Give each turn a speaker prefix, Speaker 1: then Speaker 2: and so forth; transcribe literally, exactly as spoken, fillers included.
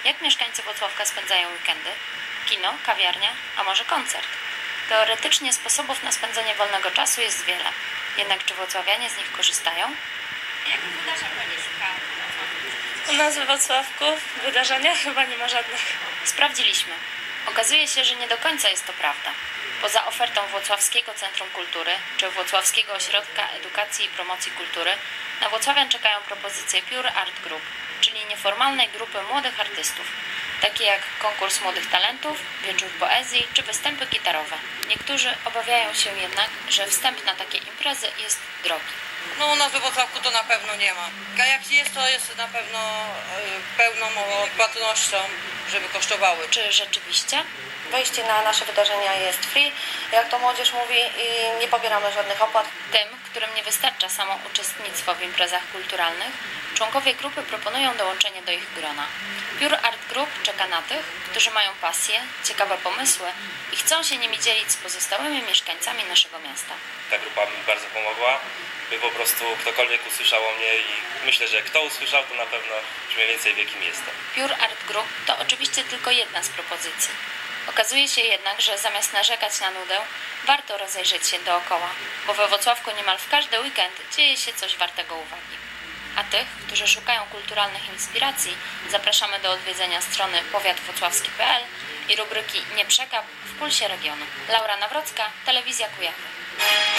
Speaker 1: Jak mieszkańcy Włocławka spędzają weekendy? Kino, kawiarnia, a może koncert? Teoretycznie sposobów na spędzenie wolnego czasu jest wiele. Jednak czy włocławianie z nich korzystają?
Speaker 2: Jakich wydarzeń Pani szuka?
Speaker 3: U nas we Wrocławku wydarzenia chyba nie ma żadnych.
Speaker 1: Sprawdziliśmy. Okazuje się, że nie do końca jest to prawda. Poza ofertą Włocławskiego Centrum Kultury czy Włocławskiego Ośrodka Edukacji i Promocji Kultury na włocławian czekają propozycje Pure Art Group, czyli nieformalnej grupy młodych artystów, takie jak konkurs młodych talentów, wieczór poezji czy występy gitarowe. Niektórzy obawiają się jednak, że wstęp na takie imprezy jest drogi.
Speaker 4: No u nas we Wrocławku to na pewno nie ma. A jak jest, to jest na pewno y, pełną odpłatnością, żeby kosztowały.
Speaker 1: Czy rzeczywiście?
Speaker 5: Wejście na nasze wydarzenia jest free, jak to młodzież mówi, i nie pobieramy żadnych opłat.
Speaker 1: Tym, którym nie wystarcza samo uczestnictwo w imprezach kulturalnych, członkowie grupy proponują dołączenie do ich grona. Pure Art Group czeka na tych, którzy mają pasję, ciekawe pomysły i chcą się nimi dzielić z pozostałymi mieszkańcami naszego miasta.
Speaker 6: Ta grupa mi bardzo pomogła, by po prostu ktokolwiek usłyszał o mnie i myślę, że kto usłyszał, to na pewno już mniej więcej wie, kim jestem.
Speaker 1: Pure Art Group to oczywiście tylko jedna z propozycji. Okazuje się jednak, że zamiast narzekać na nudę, warto rozejrzeć się dookoła, bo we Włocławku niemal w każdy weekend dzieje się coś wartego uwagi. A tych, którzy szukają kulturalnych inspiracji, zapraszamy do odwiedzenia strony powiat włocławski kropka p l i rubryki Nie przegap w Pulsie Regionu. Laura Nawrocka, Telewizja Kujawy.